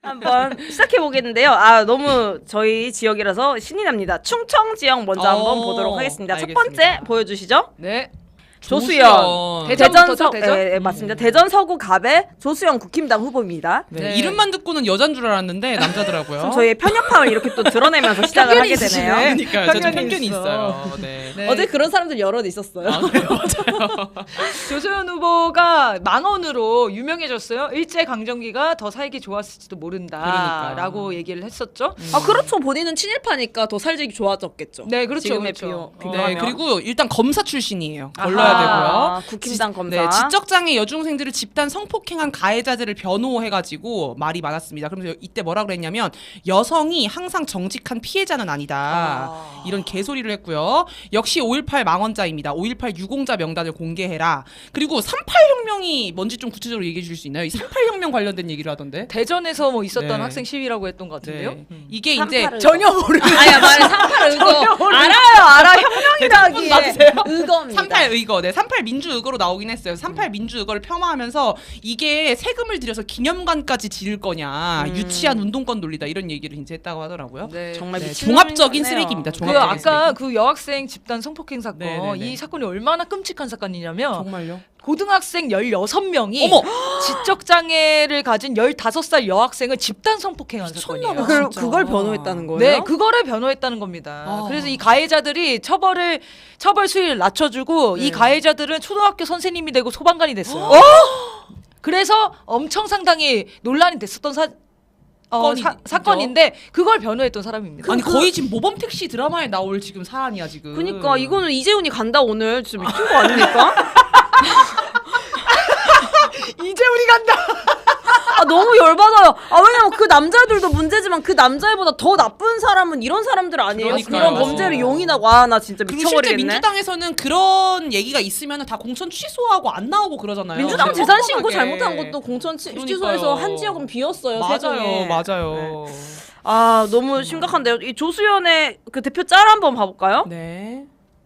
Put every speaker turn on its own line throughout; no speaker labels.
한번 시작해 보겠는데요. 아 너무 저희 지역이라서 신이 납니다. 충청 지역 먼저 한번 보도록 하겠습니다.
알겠습니다.
첫 번째 보여주시죠.
네.
조수연.
대전부터죠, 대전?
네, 맞습니다. 대전 서구 갑의 조수연 국힘당 후보입니다.
네.
네.
이름만 듣고는 여잔 줄 알았는데 남자더라고요.
좀 저희의 편협함을 이렇게 또 드러내면서 시작을 하게 되네요.
그러니까요. 저도
편견이
편견이
있어.
있어요. 네.
네.
어제 그런 사람들 여럿 있었어요.
아, 그래요? 맞아요.
조소연 후보가 망언으로 유명해졌어요. 일제 강점기가 더 살기 좋았을지도 모른다라고
그러니까.
얘기를 했었죠.
아 그렇죠. 본인은 친일파니까 더 살기 좋아졌겠죠.
네, 그렇죠.
지금의
그렇죠.
네, 그리고 일단 검사 출신이에요.
아하.
걸러야
아,
되고요.
국힘당 검사.
네, 지적장애 여중생들을 집단 성폭행한 가해자들을 변호해가지고 말이 많았습니다. 그러면서 이때 뭐라 그랬냐면 여성이 항상 정직한 피해자는 아니다. 이런 개소리를 했고요. 역시 5.18 망언자입니다. 5.18 유공자 명단을 공개해라. 그리고 38혁명이 뭔지 좀 구체적으로 얘기해 주실 수 있나요? 이 38혁명 관련된 얘기를 하던데.
대전에서 뭐 있었던
네.
학생 시위라고 했던 것 같은데요.
네. 이게 이제
38을
전혀 모르는.
아야 말해 38 의거 알아 혁명이라기
맞으세요?
의거입니다.
38 의거, 네, 38 민주 의거로 나오긴 했어요. 38 민주 의거를 폄하하면서 이게 세금을 들여서 기념관까지 지을 거냐, 유치한 운동권 논리다 이런 얘기를 이제 했다고 하더라고요.
네.
정말
네,
미친
종합적인
놈이네요.
쓰레기입니다.
그
종합적인
아까
쓰레기.
그 여학생 집단 성폭행 사건
네네네.
이 사건이 얼마나 끔찍한 사건이냐면
정말요?
고등학생 16명이
어머!
지적 장애를 가진 15살 여학생을 집단 성폭행한
미쳤나
사건이에요.
봐. 진짜.
그걸 변호했다는 거예요?
네, 그거를 변호했다는 겁니다.
아.
그래서 이 가해자들이 처벌 수위를 낮춰주고 이 가해자들은 초등학교 선생님이 되고 소방관이 됐어요. 그래서 엄청 상당히 논란이 됐었던 사건인데 그걸 변호했던 사람입니다.
아니 거의 지금 모범 택시 드라마에 나올 지금 사안이야 지금.
그니까 이거는 이재훈이 간다 오늘 진짜 미친 거 아닙니까?
이재훈이 간다.
아 너무 열받아요. 아 왜냐면 그 남자들도 문제지만 그 남자애보다 더 나쁜 사람은 이런 사람들 아니에요?
그러니까요.
그런 범죄를 용인하고 아 나 진짜
그리고 실제
미쳐버리겠네.
민주당에서는 그런 얘기가 있으면 다 공천 취소하고 안 나오고 그러잖아요.
민주당
그냥
재산 신고
뻔뻔하게.
잘못한 것도 공천
그러니까요.
취소해서 한 지역은 비었어요. 세종에.
맞아요.
아 너무 심각한데요. 이 조수연의 그 대표 짤 한번 봐볼까요?
네.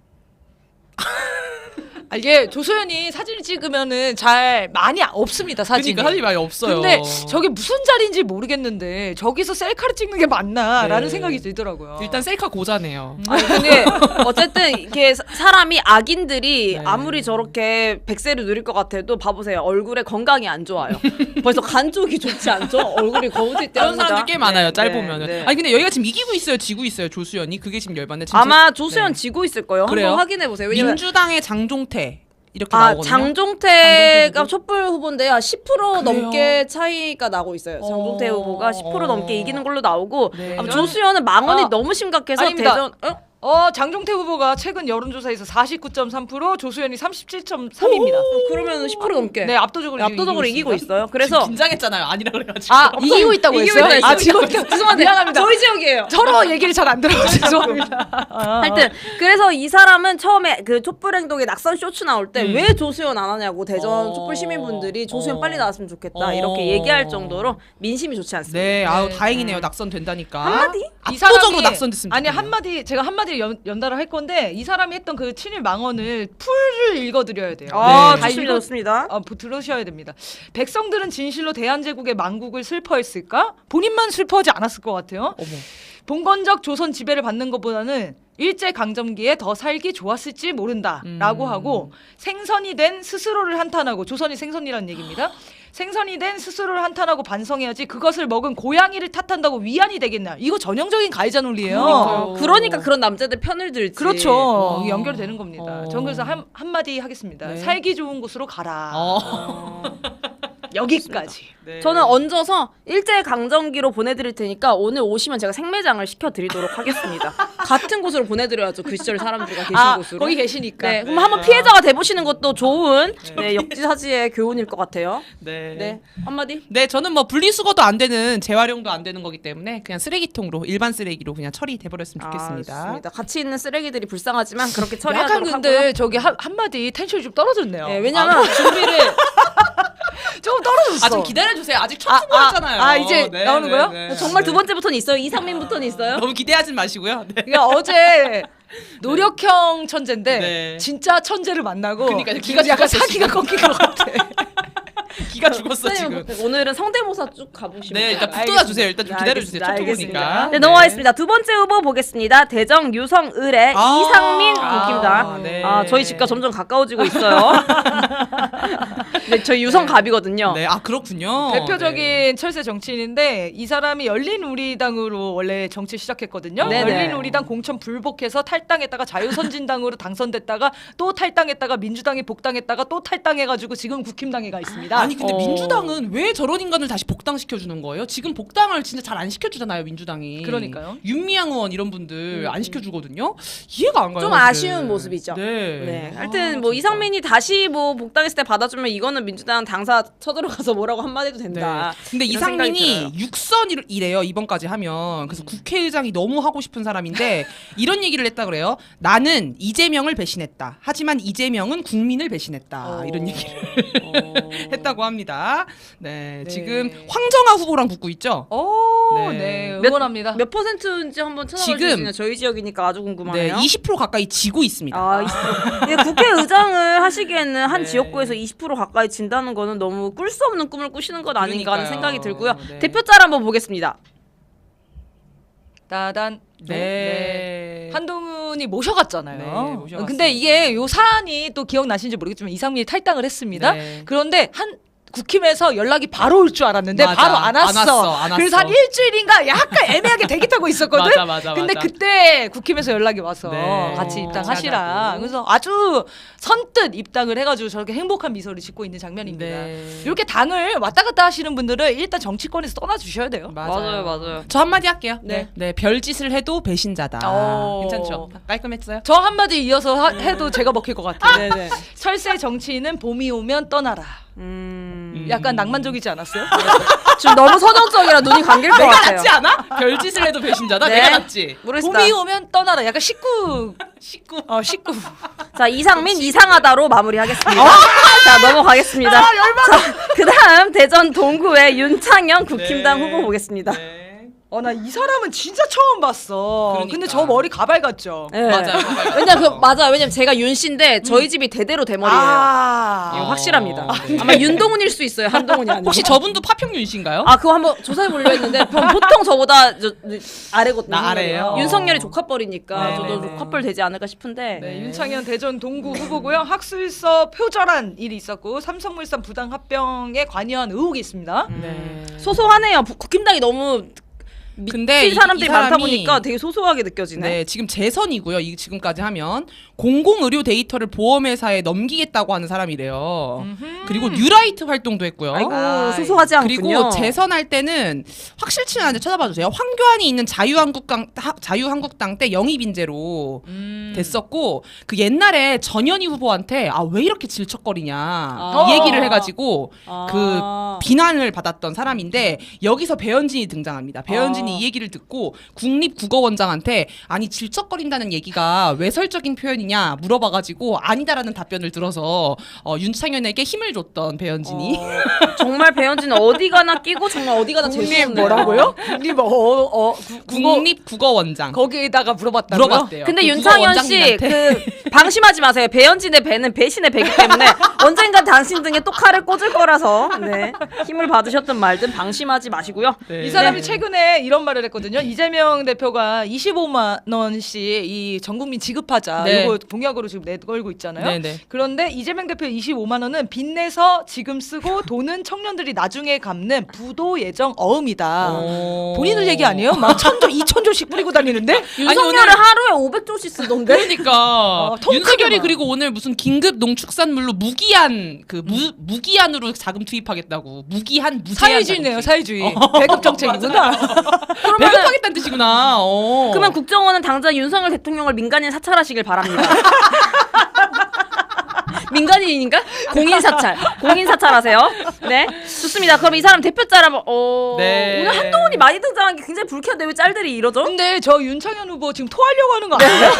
이게 조소연이 사진을 찍으면은 잘 많이 없습니다. 사진이.
그러니까 사진이 많이 없어요.
근데 저게 무슨 자리인지 모르겠는데 저기서 셀카를 찍는 게 맞나라는
네.
생각이 들더라고요.
일단 셀카 고자네요.
아니 근데 어쨌든 이게 사람이 악인들이
네.
아무리 저렇게 백세를 누릴 것 같아도 봐보세요. 얼굴에 건강이 안 좋아요. 벌써 간 쪽이 좋지 않죠? 얼굴이 거무칠 때
그런 사람들 꽤 많아요. 짤
네,
보면은.
네.
아니 근데 여기가 지금 이기고 있어요, 지고 있어요. 조수연이 그게 지금 열받네. 지금
아마 조수연
네.
지고 있을 거예요.
그래요?
한번 확인해 보세요. 왜냐면
민주당의 장종태 이렇게
아
나오거든요.
장종태가
장종태
촛불 후보인데 한 10%
그래요?
넘게 차이가 나고 있어요. 장종태 후보가 10% 넘게 이기는 걸로 나오고
네.
아마 조수연은 망언이
아,
너무 심각해서
아닙니다.
대전
장종태 후보가 최근 여론조사에서 49.3%, 조수연이 37.3입니다.
그러면 10% 넘게
네, 압도적으로
이기고
있습니다.
있어요. 그래서
긴장했잖아요. 아니라 그래가지고.
이기고 있다고
이기고
했어요?
있다,
지금
죄송한데
미안합니다.
저희 지역이에요.
서로 얘기를 잘 안 들어서 죄송합니다.
하여튼 그래서 이 사람은 처음에 그 촛불 행동에 낙선 쇼츠 나올 때
음.
왜 조수연 안 하냐고 대전
어.
촛불 시민분들이 조수연
어.
빨리 나왔으면 좋겠다
어.
이렇게 얘기할 정도로 민심이 좋지 않습니다.
네, 아우
네.
다행이네요. 낙선된다니까.
한마디?
이
압도적으로
사람이-
낙선됐습니다.
아니 제가 한마디 연달아 할 건데 이 사람이 했던 그 친일 망언을 풀을 읽어드려야 돼요.
아
네.
다
좋습니다, 좋습니다.
들으셔야 됩니다. 백성들은 진실로 대한제국의 망국을 슬퍼했을까? 본인만 슬퍼하지 않았을 것 같아요.
어머.
봉건적 조선 지배를 받는 것보다는 일제 강점기에 더 살기 좋았을지 모른다라고 하고 생선이 된 스스로를 한탄하고 조선이 생선이라는 얘기입니다. 생선이 된 스스로를 한탄하고 반성해야지 그것을 먹은 고양이를 탓한다고 위안이 되겠나? 이거 전형적인 가해자 논리예요.
그러니까 그런 남자들 편을 들지.
그렇죠.
어.
연결되는 겁니다. 전 그래서 한마디 하겠습니다.
네.
살기 좋은 곳으로 가라.
어.
여기까지.
네.
저는 얹어서 일제 강점기로 보내드릴 테니까 오늘 오시면 제가 생매장을 시켜드리도록 하겠습니다. 같은 곳으로 보내드려야죠. 그 시절 사람들과 계신 곳으로.
거기 계시니까.
네, 그럼 한번 피해자가 돼보시는 것도 좋은 역지사지의 교훈일 것 같아요.
네.
네, 한마디.
네, 저는 뭐 분리수거도 안 되는 재활용도 안 되는 거기 때문에 그냥 쓰레기통으로 일반 쓰레기로 그냥 처리돼 버렸으면 좋겠습니다.
좋습니다. 같이 있는 쓰레기들이 불쌍하지만 그렇게
약간
처리하도록
근데
하고요.
저기 한마디 텐션이 좀 떨어졌네요.
네, 왜냐면 준비를
좀 떨어졌어.
아, 좀 기다려 주세요. 아직 첫 후보였잖아요.
이제
네,
나오는
네,
거예요?
네.
정말 두 번째부터는 있어요. 이상민부터는 있어요.
너무 기대하지 마시고요. 네.
그러니까 어제 노력형 천재인데
네.
진짜 천재를 만나고
그러니까
기가 약간 사기가 꺾인 것 같아.
기가 죽었어
선생님,
지금.
오늘은 성대모사 쭉 가보시면.
네, 일단
돼요.
붙어놔 주세요. 일단 좀
네,
기다려주세요. 첫
알겠습니다.
보니까.
네, 넘어가겠습니다. 두 번째 후보 보겠습니다. 대정 유성을의 이상민 국힘당.
네.
저희 집과 점점 가까워지고 있어요. 네, 저희 유성갑이거든요.
네, 그렇군요.
대표적인
네.
철새 정치인인데 이 사람이 열린우리당으로 원래 정치 시작했거든요.
네네.
열린우리당 공천 불복해서 탈당했다가 자유선진당으로 당선됐다가 또 탈당했다가 민주당에 복당했다가 또 탈당해가지고 지금 국힘당에 가 있습니다.
아니 근데 민주당은 왜 저런 인간을 다시 복당시켜 주는 거예요? 지금 복당을 진짜 잘 안 시켜주잖아요 민주당이.
그러니까요.
윤미향 의원 이런 분들 안 시켜주거든요. 이해가 안 가요.
좀
사실.
아쉬운 모습이죠.
네.
네. 하여튼 뭐
진짜.
이상민이 다시 뭐 복당했을 때 받아주면 이거는 민주당 당사 쳐들어가서 뭐라고 한마디 해도 된다.
네. 근데
이런 생각이
이상민이 육선이래요 이번까지 하면. 그래서 국회의장이 너무 하고 싶은 사람인데 이런 얘기를 했다 그래요. 나는 이재명을 배신했다. 하지만 이재명은 국민을 배신했다. 이런 얘기를 했다고 합니다. 네,
네.
지금 황정아 후보랑 붙고 있죠.
네, 응원합니다.
몇 퍼센트인지 한번 찾아볼 수
지금-
있나요? 저희 지역이니까 아주
네,
궁금하네요.
20% 가까이 지고 있습니다.
20%. 예, 국회의장을 하시기에는 한
네.
지역구에서 20% 가까이 진다는 거는 너무 꿀 수 없는 꿈을 꾸시는 것 아닌가 하는
그러니까요.
생각이 들고요.
네.
대표자를 한번 보겠습니다.
따단.
네.
한동훈이 모셔갔잖아요.
네, 모셔갔습니다.
근데 이게 요 사안이 또 기억나시는지 모르겠지만 이상민이 탈당을 했습니다.
네.
그런데 국힘에서 연락이 바로 올 줄 알았는데
맞아.
바로 안 왔어.
안 왔어.
그래서 한 일주일인가 약간 애매하게 대기 타고 있었거든.
맞아.
근데 그때 국힘에서 연락이 와서
네.
같이 입당하시라.
하자고.
그래서 아주 선뜻 입당을 해가지고 저렇게 행복한 미소를 짓고 있는 장면입니다.
네.
이렇게 당을 왔다 갔다 하시는 분들은 일단 정치권에서 떠나주셔야 돼요.
맞아요.
저 한마디 할게요.
네.
네, 별짓을 해도 배신자다. 괜찮죠? 깔끔했어요?
저 한마디 이어서 해도 제가 먹힐 것 같아요.
네네.
철새 정치인은 봄이 오면 떠나라. 약간 낭만적이지 않았어요?
지금 너무 서정적이라 눈이 감길 것
내가
같아요.
낫지 않아? 별짓을 해도 배신자다?
네.
내가 낫지?
모르겠다.
봄이 오면 떠나라. 약간 식구. 식구.
자, 이상민 이상하다로 마무리하겠습니다. 자, 넘어가겠습니다. 자, 그다음 대전 동구의 윤창현 국힘당
네.
후보 보겠습니다.
네.
나 이 사람은 진짜 처음 봤어.
그러니까.
근데 저 머리 가발 같죠?
네.
맞아요.
왜냐면 제가 윤 씨인데 저희 집이 대대로 대머리예요. 이거 확실합니다.
네.
아마 윤동훈일 수 있어요. 한동훈이 아니고.
혹시 저분도 파평윤씨인가요?
그거 한번 조사해 보려 했는데 보통 저보다 아래거든요.
나 아래예요?
윤석열이 조카뻘이니까
네,
저도
네,
조카뻘 되지 않을까 싶은데.
네, 윤창현 대전 동구 후보고요. 학술서 표절한 일이 있었고 삼성물산 부당 합병에 관여한 의혹이 있습니다.
네.
소소하네요. 국힘당이 너무
근데
미친 사람들이
이
많다
사람이-
보니까 되게 소소하게 느껴지네.
네, 지금 재선이고요. 이 지금까지 하면 공공의료 데이터를 보험회사에 넘기겠다고 하는 사람이래요. 그리고 뉴라이트 활동도 했고요.
아이고
아이.
소소하지 않군요.
그리고 재선할 때는 확실치는 않은데 찾아봐 주세요. 황교안이 있는 자유한국당 때 영입 인재로 됐었고 그 옛날에 전현희 후보한테 왜 이렇게 질척거리냐 이 얘기를 해가지고 그 비난을 받았던 사람인데 여기서 배현진이 등장합니다. 배현진이 이 얘기를 듣고 국립국어원장한테 아니 질척거린다는 얘기가 외설적인 표현이냐 물어봐가지고 아니다라는 답변을 들어서 윤창현에게 힘을 줬던 배현진이
정말 배현진은 어디 가나 끼고 정말 어디 가나 재수없네요.
국립
국립국어원장
거기에다가 물어봤다고요?
물어봤대요.
근데
그
윤창현 씨
국어원장님한테.
방심하지 마세요. 배현진의 배는 배신의 배기 때문에 언젠간 당신 등에 또 칼을 꽂을 거라서 힘을 받으셨든 말든 방심하지 마시고요.
네.
이 사람이 최근에 이런 말을 했거든요. 이재명 대표가 25만 원씩 이 전국민 지급하자
네.
이거 공약으로 지금 내걸고 있잖아요.
네네.
그런데 이재명 대표 25만 원은 빚내서 지금 쓰고 돈은 청년들이 나중에 갚는 부도 예정 어음이다. 본인들 얘기 아니에요? 막 1,000조, 2,000조씩 뿌리고 다니는데
윤석열은 하루에 500조씩 쓰던데.
그러니까
통크게
윤석열이
막.
그리고 오늘 무슨 긴급 농축산물로 무기한 무기한으로 자금 투입하겠다고 무기한 무제한
사회주의네요, 사회주의. 배급 정책이구나.
배급하겠다는 뜻이구나.
그러면 국정원은 당장 윤석열 대통령을 민간인 사찰하시길 바랍니다. 민간인인가? 공인 사찰하세요. 네, 좋습니다. 그럼 이 사람 대표자라
네.
오늘 한동훈이 많이 등장한 게 굉장히 불쾌한데 왜 짤들이 이러죠?
근데 저 윤창현 후보 지금 토하려고 하는 거 아니에요?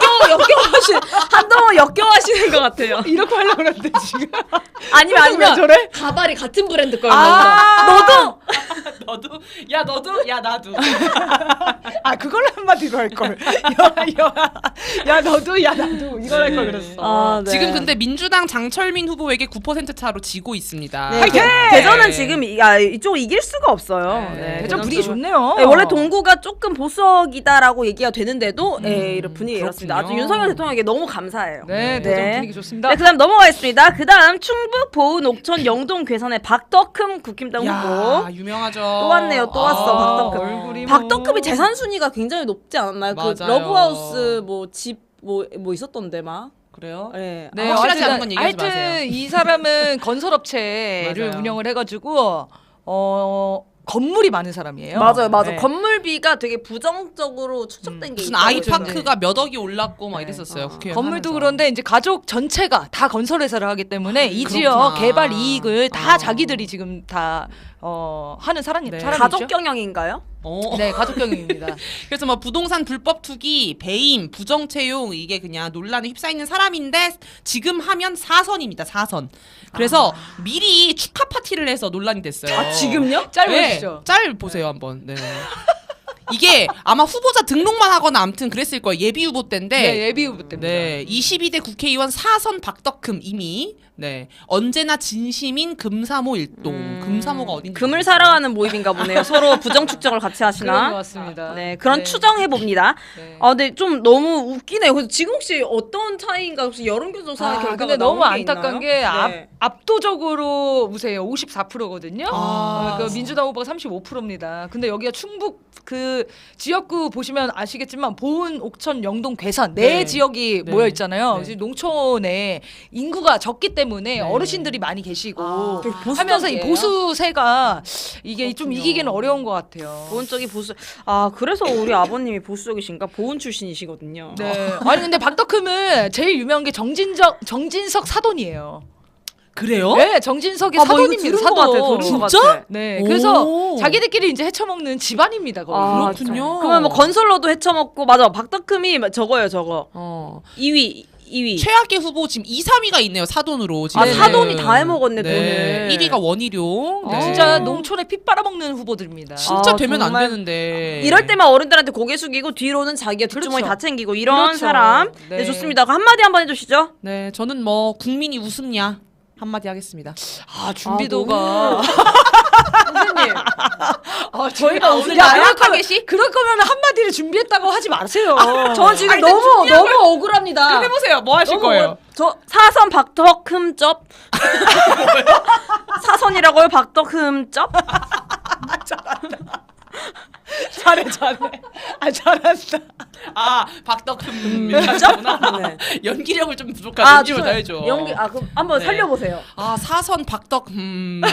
한동훈 역겨워하시는 것 같아요.
이렇게 하려고 그러는데 지금.
아니면
왜 저래?
가발이 같은 브랜드 거였나
아.
보다.
너도 야 너도 야 나도.
아 그걸 한마디로 할 걸. 야 너도 야 나도 이걸 할 걸 그랬어.
아, 네.
지금 근데 민주당 장철민 후보에게 9% 차로 지고 있습니다.
네,
화이팅!
대전은 지금 이쪽 이길 수가 없어요.
네,
네,
대전 분위기 좋네요.
네, 원래 동구가 조금 보수적이다라고 얘기가 되는데도 이런 분위기 이렇습니다. 아주
그렇군요.
윤석열 대통령에게 너무 감사해요.
네, 대전 분위기 좋습니다.
네, 그다음 넘어가겠습니다. 그다음 충북 보은 옥천 영동 괴산의 박덕흠 국힘당
야,
후보.
유명하죠.
또 왔네요. 또 왔어. 박덕흠.
얼굴이
박덕흠이 재산 순위가 굉장히 높지 않았나요? 그
맞아요.
러브하우스 뭐 집 뭐 있었던데 막.
그래요?
네.
네,
확실하지 않은 건 얘기하지
하여튼
마세요.
이 사람은 건설업체를
맞아요.
운영을 해가지고 건물이 많은 사람이에요.
맞아요.
네.
건물비가 되게 부정적으로 추적된 게
무슨
있다고
아이파크가 몇 억이 올랐고 막 이랬었어요. 국회의원
건물도
하면서.
그런데 이제 가족 전체가 다 건설회사를 하기 때문에 이
그렇구나.
지역 개발 이익을 다
어.
자기들이 지금 다 하는
네.
사람이죠.
가족 경영인가요?
네, 가족 경영입니다.
그래서 뭐 부동산 불법 투기, 배임, 부정 채용 이게 그냥 논란에 휩싸이는 사람인데 지금 하면 4선입니다. 4선. 그래서 미리 축하 파티를 해서 논란이 됐어요.
아, 지금요?
짤
네,
보시죠.
짤 보세요 한번. 네. 이게 아마 후보자 등록만 하거나 아무튼 그랬을 거예요. 예비 후보 때인데.
네, 예비 후보 때입니다.
네, 22대 국회의원 4선 박덕흠 이미 네 언제나 진심인 금사모 일동. 금사모가 어딘지
금을
모르겠어요.
사랑하는 모임인가 보네요. 서로 부정 축적을 같이
그런 것
하시나?
같습니다.
네, 그런
네.
추정해 봅니다.
네.
아, 근데 좀 너무 웃기네요. 그래서 지금 혹시 어떤 차이인가 혹시 여론조사 결과가
근데 너무
나온 게
안타까운
있나요?
게
네.
압도적으로 우세요. 54%거든요.
아.
그 민주당 후보가 35%입니다. 근데 여기가 충북 그 지역구 보시면 아시겠지만 보은, 옥천, 영동, 괴산 네
네.
지역이
네.
모여 있잖아요.
네.
지금 농촌에 인구가 적기 때문에
네.
어르신들이 많이 계시고
아.
되게 보수적이에요.
하면서 이 보수세가 이게 좀
그렇군요.
이기기는 어려운 것 같아요.
보은 쪽이 보수. 아, 그래서 우리 아버님이 보수적이신가? 보은 출신이시거든요.
네. 아니 근데 박덕흠은 제일 유명한 게 정진석 사돈이에요.
그래요?
네, 정진석의
아, 뭐 이거
사돈입니다.
들은 것 같아,
사돈.
들은 것
진짜?
같아.
네,
오.
그래서 자기들끼리 이제 헤쳐먹는 집안입니다. 거의.
아,
그렇군요.
그러면 뭐 건설로도 헤쳐먹고 맞아. 박덕흠이 저거예요, 저거.
어.
2위.
최악의 후보 지금 2, 3위가 있네요. 사돈으로 지금.
아, 사돈이 다 해먹었네, 돈을.
1위가 원희룡. 네.
진짜 농촌에 피 빨아먹는 후보들입니다.
진짜
아,
되면
정말.
안 되는데.
이럴 때만 어른들한테 고개 숙이고 뒤로는 자기가 뒷주머니
그렇죠.
다 챙기고 이런
그렇죠.
사람. 네.
네.
좋습니다. 그럼 한마디 한번 해주시죠.
네, 저는 뭐 국민이 웃음냐 한마디 하겠습니다.
아 준비도가.
선생님.
저희가
오늘
야,
나약하게
그럴 거면 한마디를 준비했다고 하지 마세요.
저 지금
아니,
너무 억울합니다.
그럼 해보세요. 뭐 하실
너무
거예요?
저 사선 박덕흠쩝. 사선이라고요? 박덕흠쩝?
잘해. 아 잘한다.
아 박덕흠 민주구나.
네.
연기력을 좀 부족하다. 연기를 더
죄송해요.
해줘.
연기 그럼 한번
네.
살려보세요.
아 사선 박덕흠.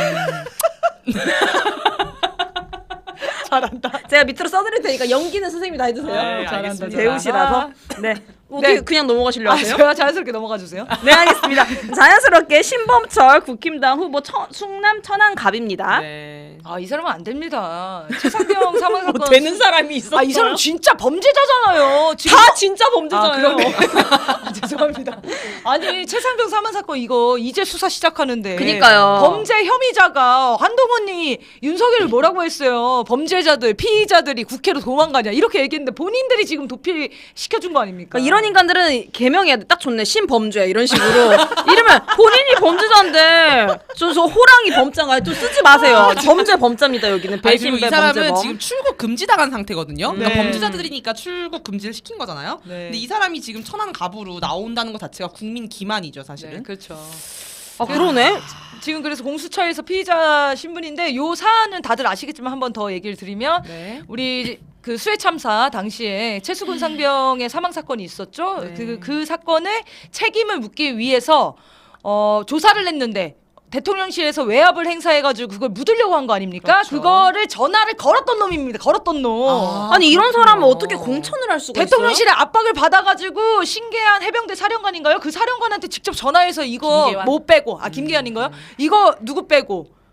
잘한다.
제가 밑으로 써드릴 테니까 연기는 선생님이 다 해주세요.
네, 알겠습니다.
배우시라서. 네.
네.
그냥 넘어가시려 하세요?
제가 자연스럽게 넘어가 주세요.
네, 알겠습니다. 자연스럽게 신범철 국힘당 후보 충남 천안갑입니다.
네.
아 이 사람은 안 됩니다. 최상병 사망 사건.
사람이 있었어요?
이 사람 진짜 범죄자잖아요. 지금
다 진짜 범죄잖아요.
죄송합니다. 아니 최상병 사망 사건 이거 이제 수사 시작하는데.
그니까요.
범죄 혐의자가 한동훈이 윤석열을 뭐라고 했어요. 범죄자들, 피의자들이 국회로 도망가냐 이렇게 얘기했는데 본인들이 지금 도피 시켜준 거 아닙니까?
그러니까 이런 인간들은 개명해야 돼. 딱 좋네. 신범죄 이런 식으로. 이러면 본인이 범죄자인데 저 호랑이 범죄가 또 쓰지 마세요. 범죄입니다 여기는.
아니, 그리고 이
배신배
사람은
범죄범.
지금 출국 금지당한 상태거든요. 그러니까
네.
범죄자들이니까 출국 금지를 시킨 거잖아요.
네.
근데 이 사람이 지금 천안 갑으로 나온다는 것 자체가 국민 기만이죠, 사실은.
네, 그렇죠.
아 그러네.
지금 그래서 공수처에서 피의자 신분인데 요 사안은 다들 아시겠지만 한 번 더 얘기를 드리면
네.
우리 그 수해 참사 당시에 최수근 상병의 사망 사건이 있었죠.
네.
그 사건의 책임을 묻기 위해서 조사를 했는데 대통령실에서 외압을 행사해가지고 그걸 묻으려고 한 거 아닙니까?
그렇죠.
그거를 전화를 걸었던 놈입니다. 걸었던 놈.
아니 이런
그렇군요.
사람은 어떻게 공천을 할 수가 있어요?
대통령실에 압박을 받아가지고 신계한 해병대 사령관인가요? 그 사령관한테 직접 전화해서 이거
김계환?
뭐 빼고 김계한인가요? 이거 누구 빼고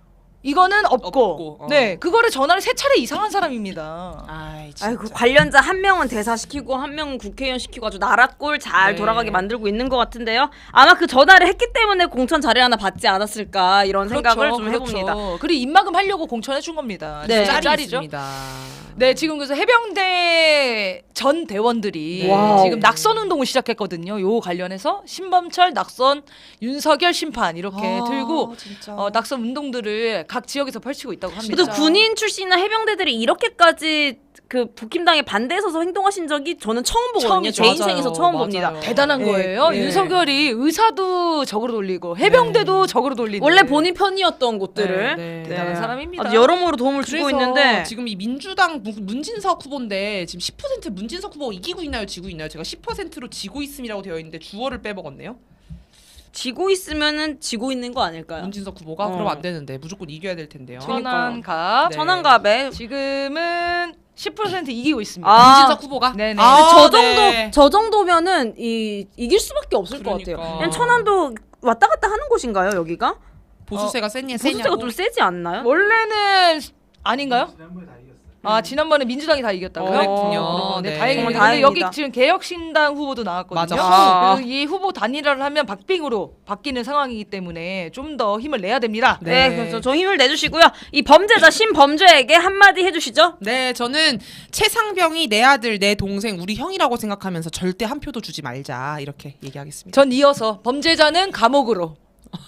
이거는 없고,
없고,
네 그거를 전화를 3차례 이상 한 사람입니다.
아이, 진짜.
아이고 관련자 한 명은 대사시키고 한 명은 국회의원 시키고 아주 나라꼴 잘
네.
돌아가게 만들고 있는 것 같은데요. 아마 그 전화를 했기 때문에 공천 자리 하나 받지 않았을까 이런 생각을 좀 해봅니다.
그리고 입막음 하려고 공천해 준 겁니다.
네.
진짜
짤이
짤이죠.
있습니다.
네, 지금 그래서 해병대 전 대원들이
와우.
지금 낙선 운동을 시작했거든요. 요 관련해서 신범철 낙선, 윤석열 심판 이렇게 들고
진짜.
낙선 운동들을 각 지역에서 펼치고 있다고 합니다.
그래도 군인 출신이나 해병대들이 이렇게까지 그 북힘당에 반대해서 행동하신 적이 저는 처음 보거든요.
처음이죠.
제 인생에서 처음
맞아요.
봅니다.
대단한
네,
거예요.
네.
윤석열이 의사도 적으로 돌리고 해병대도 적으로 돌리는
원래 본인 편이었던 곳들을
네, 네.
대단한 사람입니다.
아주 여러모로 도움을 주고
그래서
있는데
지금 이 민주당 문진석 후보인데 지금 10% 문진석 후보가 이기고 있나요, 지고 있나요? 제가 10%로 지고 있음이라고 되어 있는데 주어를 빼먹었네요.
지고 있으면은 지고 있는 거 아닐까요?
문진석 후보가
어.
그럼 안 되는데 무조건 이겨야 될 텐데요.
천안갑
네.
천안갑에
지금은 10% 이기고 있습니다.
아.
문진석 후보가
네네.
저 정도
네.
저 정도면은 이길 수밖에 없을 것
그러니까.
같아요. 그냥 천안도 왔다 갔다 하는 곳인가요, 여기가?
보수세가 세냐
보수세가
세냐고.
좀 세지 않나요?
원래는 아닌가요? 지난번에 민주당이 다 이겼다고요?
그랬군요.
네,
네.
다행입니다. 근데
다행이다.
여기 지금 개혁신당 후보도 나왔거든요.
맞아.
그래서 이 후보 단일화를 하면 박빙으로 바뀌는 상황이기 때문에 좀 더 힘을 내야 됩니다.
네,
네.
그래서 저 힘을 내주시고요. 이 범죄자 신범죄에게 한마디 해주시죠.
네, 저는 최상병이 내 아들, 내 동생, 우리 형이라고 생각하면서 절대 한 표도 주지 말자 이렇게 얘기하겠습니다.
전 이어서 범죄자는 감옥으로.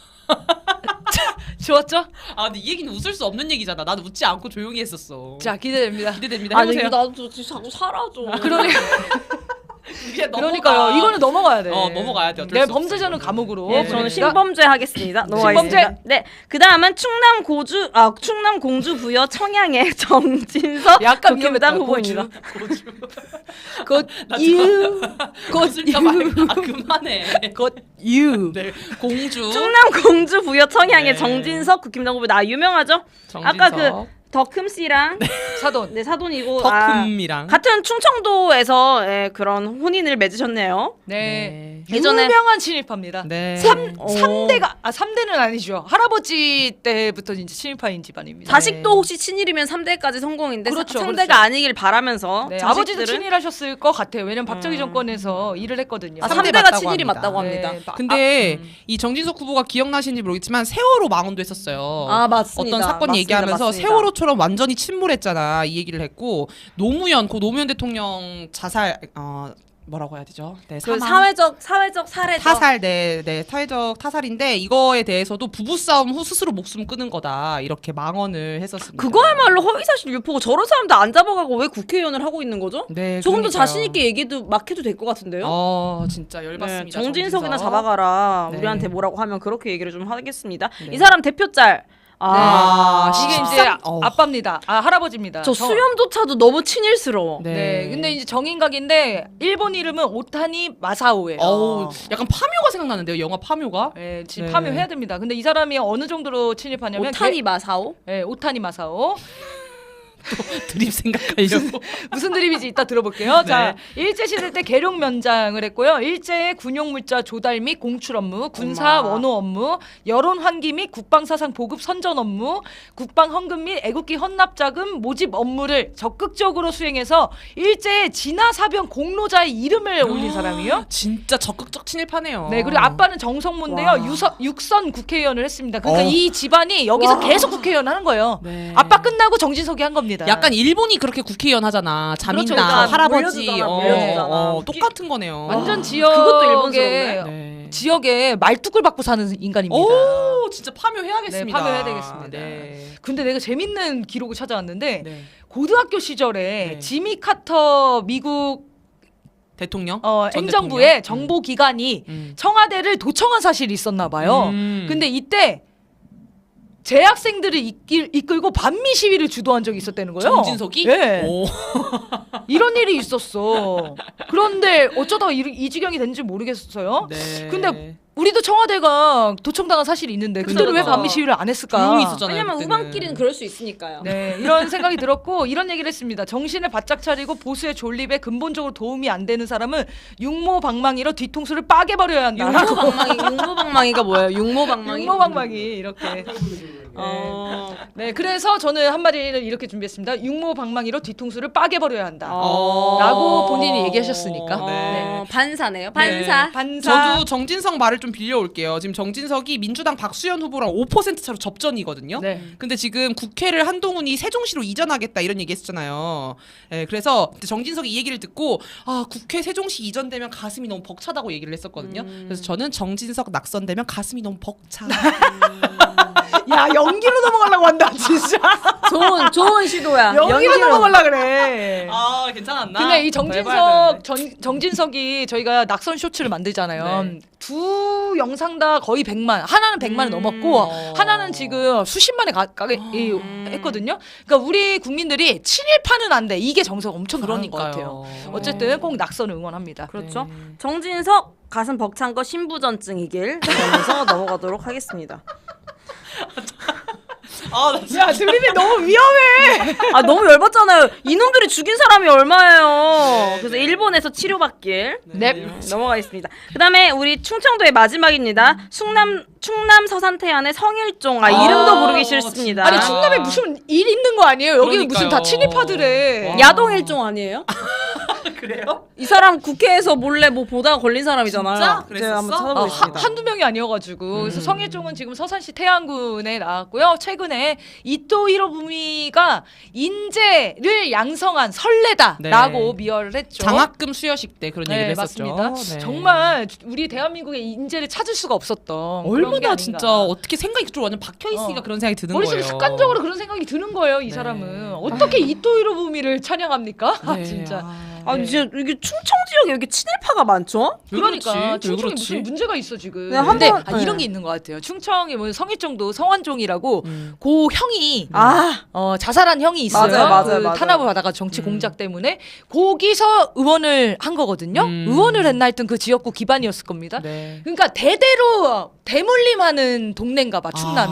좋았죠?
아, 근데 이 얘기는 웃을 수 없는 얘기잖아. 나는 웃지 않고 조용히 했었어.
자, 기대됩니다.
기대됩니다.
아니
해보세요.
나도 자꾸 사라져.
그러니까요. 이거는 넘어가야 돼.
넘어가야 돼. 어쩔
네,
수 없어,
범죄자는
이거는.
감옥으로.
예, 저는
그러니까
신범죄 하겠습니다. 넘어가겠습니다.
신범죄.
네, 그 다음은 충남 공주 부여 청양의 정진석
약간
국힘당
위험했다.
후보입니다.
곧 you,
웃을까봐. 아, 그만해.
곧 you.
네, 공주.
충남 공주 부여 청양의
네.
정진석 국힘당 후보 나 유명하죠?
정진석.
아까 그 덕흠 씨랑
사돈.
네 사돈이고
덕흠이랑.
같은 충청도에서 그런 혼인을 맺으셨네요.
네.
예전에-
유명한 친일파입니다.
네.
3대는 아니죠. 할아버지 때부터 이제 친일파인 집안입니다.
자식도 혹시 친일이면 3대까지 성공인데
그렇죠,
상대가
그렇죠.
아니길 바라면서
네,
자식들은-
아버지도 친일하셨을 것 같아요. 왜냐면 박정희 정권에서 일을 했거든요.
아,
3대
3대가
맞다고
친일이
합니다.
맞다고 합니다.
네,
근데 이 정진석 후보가 기억나시는지 모르겠지만 세월호 망언도 했었어요.
아, 맞습니다.
어떤 사건
맞습니다.
얘기하면서
맞습니다.
세월호처럼 완전히 침몰했잖아 이 얘기를 했고 고 노무현 대통령 자살 뭐라고 해야 되죠? 네,
그
사망.
사회적 사례죠.
타살, 네, 사회적 타살인데 이거에 대해서도 부부싸움 후 스스로 목숨 끊은 거다 이렇게 망언을 했었습니다.
그거야말로 허위사실 유포고 저런 사람들 안 잡아가고 왜 국회의원을 하고 있는 거죠?
네,
조금 더
그러니까요.
자신 있게 얘기도 막 해도 될 것 같은데요.
진짜 열받습니다.
네, 정진석이나
정진석.
잡아가라.
네.
우리한테 뭐라고 하면 그렇게 얘기를 좀 하겠습니다.
네.
이 사람 대표 짤.
이게 이제
13? 어우.
아빠입니다. 할아버지입니다.
저 수염조차도 너무 친일스러워.
네. 근데 이제 정인각인데 일본 이름은 오타니 마사오예요.
어우, 약간 파묘가 생각나는데요. 영화 파묘가.
네, 지금
네.
파묘해야 됩니다. 근데 이 사람이 어느 정도로 친일파냐면
오타니 마사오?
네, 오타니 마사오.
드립 생각하려고.
무슨 드립인지 이따 들어볼게요.
네.
자, 일제 시대 때 계룡 면장을 했고요. 일제의 군용 물자 조달 및 공출 업무, 군사
엄마.
원호 업무, 여론 환기 및 국방 사상 보급 선전 업무, 국방 헌금 및 애국기 헌납 자금 모집 업무를 적극적으로 수행해서 일제의 진화 사병 공로자의 이름을 올린 사람이요.
진짜 적극적 친일파네요.
네, 그리고 아빠는 정성문인데요.
와.
육선 국회의원을 했습니다. 그러니까
어.
이 집안이 여기서
와.
계속 국회의원 하는 거예요.
네.
아빠 끝나고 정진석이 한 겁니다.
약간 일본이 그렇게 국회의원 하잖아. 자민당,
그러니까
할아버지,
물려주잖아.
똑같은 거네요.
완전
그것도 일본스럽네.
지역에
네.
지역에 말뚝을 받고 사는 인간입니다.
오, 진짜 파묘해야겠습니다.
네, 파묘해야 되겠습니다.
네.
근데 내가 재밌는 기록을 찾아왔는데
네.
고등학교 시절에
네.
지미 카터 미국
대통령? 전
행정부의
대통령?
정보기관이
음.
청와대를 도청한 사실이 있었나 봐요. 근데 이때 재학생들을 이끌고 반미 시위를 주도한 적이 있었다는 거예요.
정진석이?
예.
오.
이런 일이 있었어. 그런데 어쩌다가 이 지경이 됐는지 모르겠어요.
네.
근데 우리도 청와대가 도청당한 사실이 있는데
그쵸,
그때는 왜
그쵸.
반미 시위를 안 했을까?
조용히 있었잖아요.
왜냐면
그때는.
우방끼리는 그럴 수 있으니까요.
네, 이런 생각이 들었고 이런 얘기를 했습니다. 정신을 바짝 차리고 보수의 존립에 근본적으로 도움이 안 되는 사람은 육모방망이로 뒤통수를 빠개버려야 한다.
육모방망이가 뭐예요? 육모방망이?
육모방망이 이렇게. 네, 그래서 저는 한마디를 이렇게 준비했습니다. 육모방망이로 뒤통수를 빠개버려야 한다.
어.
라고 본인이 얘기하셨으니까.
네.
반사네요. 반사.
네.
반사.
저도 정진석 말을 좀 빌려올게요. 지금 정진석이 민주당 박수현 후보랑 5% 차로 접전이거든요.
네.
근데 지금 국회를 한동훈이 세종시로 이전하겠다 이런 얘기했잖아요. 네, 그래서 정진석이 이 얘기를 듣고 국회 세종시 이전되면 가슴이 너무 벅차다고 얘기를 했었거든요. 그래서 저는 정진석 낙선되면 가슴이 너무 벅차.
야, 연기로 넘어가려고 한다, 진짜.
좋은 시도야.
연기로 넘어가려고 그래.
괜찮았나?
근데 이
더 해봐야 되는데.
정진석이 저희가 낙선 쇼츠를 만들잖아요.
네.
두 영상 다 거의 100만, 하나는 100만을 넘었고 하나는 지금 수십만에 가까이 했거든요. 그러니까 우리 국민들이 친일파는 안 돼. 이게 정서가 엄청 강한 것 같아요. 어쨌든 꼭 낙선을 응원합니다.
그렇죠.
네.
정진석 가슴 벅찬 거 신부전증이길 바라면서 넘어가도록 하겠습니다.
야, 드림이 너무 위험해.
아 너무 열받잖아요. 이놈들이 죽인 사람이 얼마예요. 그래서 일본에서 치료받길.
네.
넘어가겠습니다. 그다음에 우리 충청도의 마지막입니다. 충남 서산태안의 성일종. 이름도 부르기 싫습니다.
아니 충남에 무슨 일 있는 거 아니에요? 여기는 무슨 다
그러니까요.
친일파들의
와.
야동일종 아니에요?
그래요?
이 사람 국회에서 몰래 뭐 보다가 걸린 사람이잖아요.
진짜?
네, 한번
그랬었어?
찾아보겠습니다.
한두 명이 아니어가지고 그래서 성일종은 지금 서산시 태안군에 나왔고요. 최근에 이토 히로부미가 인재를 양성한 설레다라고
네.
미화를 했죠.
장학금 수여식 때 그런
네,
얘기를 했었죠.
맞습니다.
네.
정말 우리 대한민국의 인재를 찾을 수가 없었던 그런 게
얼마나
아닌가.
진짜 어떻게 생각이 좀 완전 박혀 있으니까 그런 생각이 드는
머릿속에
거예요.
습관적으로 그런 생각이 드는 거예요. 이
네.
사람은 어떻게 이토 히로부미를 찬양합니까?
네.
진짜.
아니 진짜 이게 충청 지역에 이렇게 친일파가 많죠?
왜
그러니까
그렇지? 왜
충청이
그렇지?
무슨 문제가 있어 지금.
네,
근데
한번- 네.
이런 게 있는 것 같아요. 충청이 뭐 성일종도 성완종이라고 고 형이 자살한 형이 있어요.
맞아요.
탄압을 받아가 정치 공작 때문에 거기서 의원을 한 거거든요. 의원을 했나 하여튼 그 지역구 기반이었을 겁니다.
네.
그러니까 대대로 대물림하는 동네인가 봐 충남이.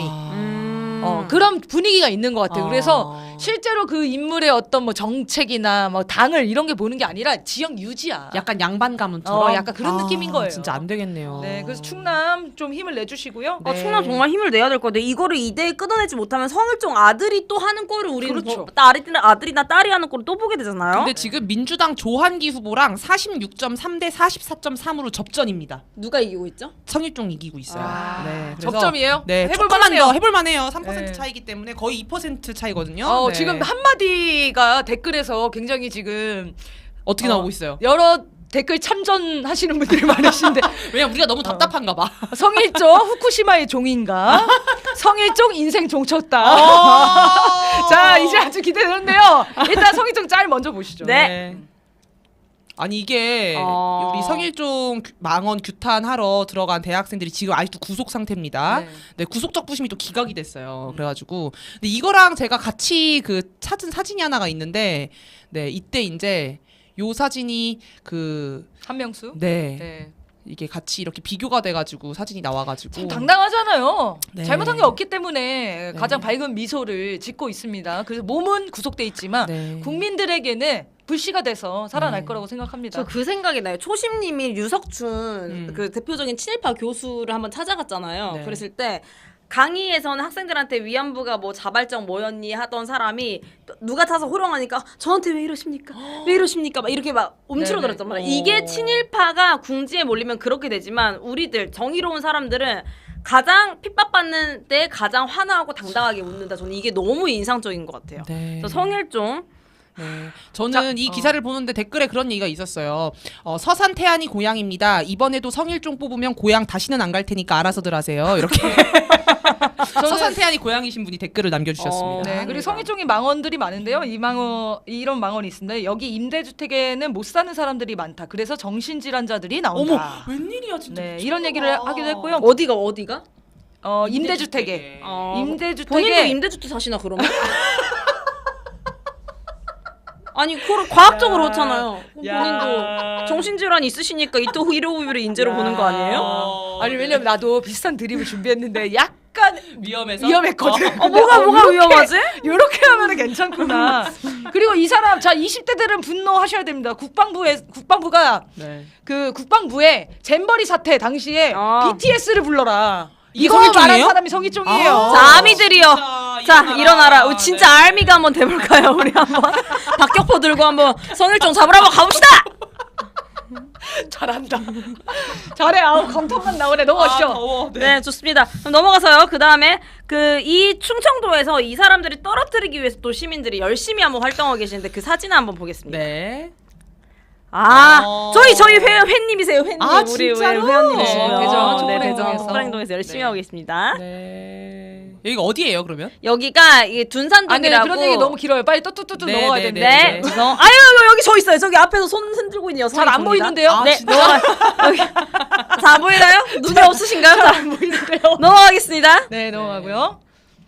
그런 분위기가 있는 것 같아요. 그래서 실제로 그 인물의 어떤 뭐 정책이나 뭐 당을 이런 게 보는 게 아니라 지역 유지야.
약간 양반 가문처럼
약간 그런 느낌인 거예요.
진짜 안 되겠네요.
네, 그래서 충남 좀 힘을 내주시고요.
네.
충남 정말 힘을 내야 될 것 같아요. 이거를 이대에 끊어내지 못하면 성일종 아들이 또 하는 꼴을 우리는
그렇죠.
아들이나 딸이 하는 꼴을 또 보게 되잖아요.
근데 지금 민주당 조한기 후보랑 46.3대 44.3으로 접전입니다.
누가 이기고 있죠?
성일종 이기고 있어요. 네, 그래서
접점이에요?
네,
해볼
조금만
만하네요.
더 해볼만해요. 3%
네.
차이기 때문에 거의 2% 차이거든요. 네.
지금 한마디가 댓글에서 굉장히 지금
어떻게 나오고 있어요?
여러 댓글 참전하시는 분들이 많으신데
왜냐면 우리가 너무 답답한가 봐.
성일종 후쿠시마의 종인가? 성일종 인생 종쳤다. 자, 이제 아주 기대되는데요. 일단 성일종 짤 먼저 보시죠.
네.
아니 이게 우리 성일종 망원 규탄하러 들어간 대학생들이 지금 아직도 구속 상태입니다.
네.
네, 구속적 부심이 또 기각이 됐어요. 그래가지고 근데 이거랑 제가 같이 그 찾은 사진이 하나가 있는데, 네 이때 이제 요 사진이 그
한명수.
네.
네.
이게 같이 이렇게 비교가 돼가지고 사진이 나와가지고
참 당당하잖아요.
네.
잘못한 게 없기 때문에 가장 밝은 미소를 짓고 있습니다. 그래서 몸은 구속돼 있지만
네.
국민들에게는 불씨가 돼서 살아날
네.
거라고 생각합니다.
저 그 생각이 나요. 초심님이 유석춘 그 대표적인 친일파 교수를 한번 찾아갔잖아요.
네.
그랬을 때 강의에서는 학생들한테 위안부가 뭐 자발적 뭐였니 하던 사람이 누가 타서 호령하니까 저한테 왜 이러십니까? 왜 이러십니까? 막 이렇게 막 움츠러들었단 말이에요. 이게 친일파가 궁지에 몰리면 그렇게 되지만 우리들 정의로운 사람들은 가장 핍박받는 때 가장 환호하고 당당하게 웃는다. 저는 이게 너무 인상적인 것 같아요.
네.
그래서 성일종
네. 저는 이 기사를 보는데 댓글에 그런 얘기가 있었어요. 서산 태안이 고향입니다. 이번에도 성일종 뽑으면 고향 다시는 안 갈 테니까 알아서들 하세요. 이렇게 서산 태안이 고향이신 분이 댓글을 남겨주셨습니다.
네, 그리고 성일종의 망원들이 많은데요. 이런 망원이 있습니다. 여기 임대주택에는 못 사는 사람들이 많다. 그래서 정신질환자들이 나온다.
어머 웬일이야 진짜.
네, 이런 얘기를 하기도 했고요.
어디가?
임대주택에 임대주택에
본인도 임대주택 사시나 그러면? 아니 그걸 과학적으로 그렇잖아요. 본인도 정신질환 있으시니까 이토 히로부미를 인재로 보는 거 아니에요?
아니 왜냐면 나도 비슷한 드립을 준비했는데 약간
위험해서
위험했거든.
뭐가 위험하지?
이렇게 하면은 괜찮구나. 그리고 이 사람 20대들은 분노하셔야 됩니다. 국방부가
네.
그 국방부에 잼버리 사태 당시에
아.
BTS를 불러라.
이게
이거 말한
성일종이에요?
사람이 성일종이에요.
자, 아미들이요. 자, 일어나라. 진짜 알미가 한번 돼볼까요? 우리 한번 박격포 들고 한번 성일종 잡으러 한번 가봅시다.
잘한다. 잘해. 아우 감탄만 나오네. 넘어가시죠.
더워.
네, 좋습니다. 그럼 넘어가서요. 그 다음에 이 충청도에서 이 사람들이 떨어뜨리기 위해서 또 시민들이 열심히 한번 활동하고 계시는데 그 사진을 한번 보겠습니다.
네.
저희 회님이세요. 회님.
아,
우리
진짜로?
회원님이시고요.
대전
네, 대전
촛불행동에서.
촛불행동에서 열심히
네.
하고 계십니다.
네. 여기가 어디예요, 그러면?
여기가 이게
아, 네,
둔산동이라고.
그런 얘기 너무 길어요. 빨리 뚜뚜뚜뚜
네,
넘어가야
네,
되는데.
네. 아유, 여기 저 있어요. 저기 앞에서 손 흔들고 있는 여성이
잘 안
보입니다.
보이는데요?
아,
네,
진짜?
여기. 잘 안 보이나요? 눈이 없으신가요? 잘 안 보이는데요. 넘어가겠습니다.
네, 넘어가고요.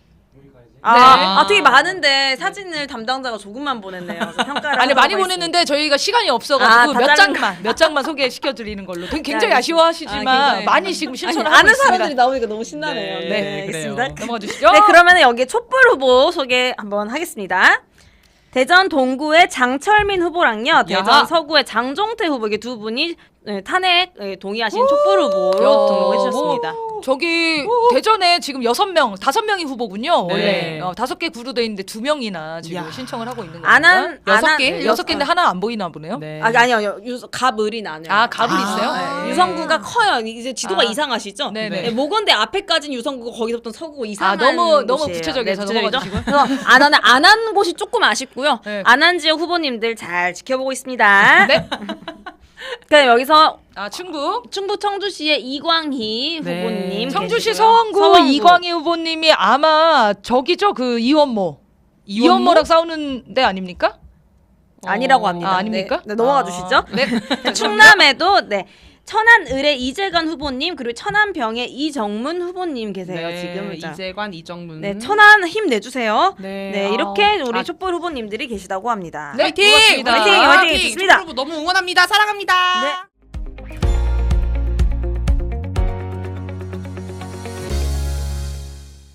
되게 많은데 사진을 담당자가 조금만 보냈네요. 그래서 평가를
아니
하도록
많이
하겠습니다.
보냈는데 저희가 시간이 없어가지고
다
몇
자른
몇 장만 소개시켜 드리는 걸로. 굉장히
네,
아쉬워하시지만
굉장히.
많이 지금 실천을 하고
아는
있습니다.
사람들이 나오니까 너무 신나네요.
네,
네,
그래요.
알겠습니다.
넘어가 주시죠.
네, 그러면 여기 촛불 후보 소개 한번 하겠습니다. 대전 동구의 장철민 후보랑요, 대전 서구의 장종태 후보 이게 두 분이 탄핵 동의하신 촛불 후보로 등록해 주셨습니다.
저기 대전에 지금 6명, 5명이 후보군요.
네.
원래 5개 구로 돼 있는데 2명이나 지금
이야.
신청을 하고 있는 겁니다.
안한
여섯 개?
네, 6개인데 하나 안 보이나 보네요.
네.
아니요 갑을이 나네요.
아, 갑을
아,
있어요?
네.
유성구가 커요. 이제 지도가
아.
이상하시죠?
네네.
네, 모건대 앞에까지는 유성구고 거기서부터 서구고 이상한
너무
곳이에요.
구체적이어서
네,
넘어가주시고요.
그래서 안한 곳이 조금 아쉽고요.
네.
안한 지역 후보님들 잘 지켜보고 있습니다.
네.
그럼 여기서
충북.
충북 청주시의 이광희
네.
후보님
청주시
계시고요.
서원구 이광희 후보님이 아마 저기죠, 그 이원모. 이원모랑 싸우는 데 아닙니까?
아니라고 합니다.
아닙니까?
네, 넘어가 주시죠.
네.
충남에도 천안을의 이재관 후보님 그리고 천안병의 이정문 후보님 계세요.
네,
지금 자.
이재관, 이정문.
네, 천안 힘내주세요.
네.
네, 이렇게 우리
아.
촛불 후보님들이 계시다고 합니다.
네,
화이팅!
고맙습니다.
화이팅! 화이팅! 좋습니다.
촛불 후보 너무 응원합니다. 사랑합니다.
네.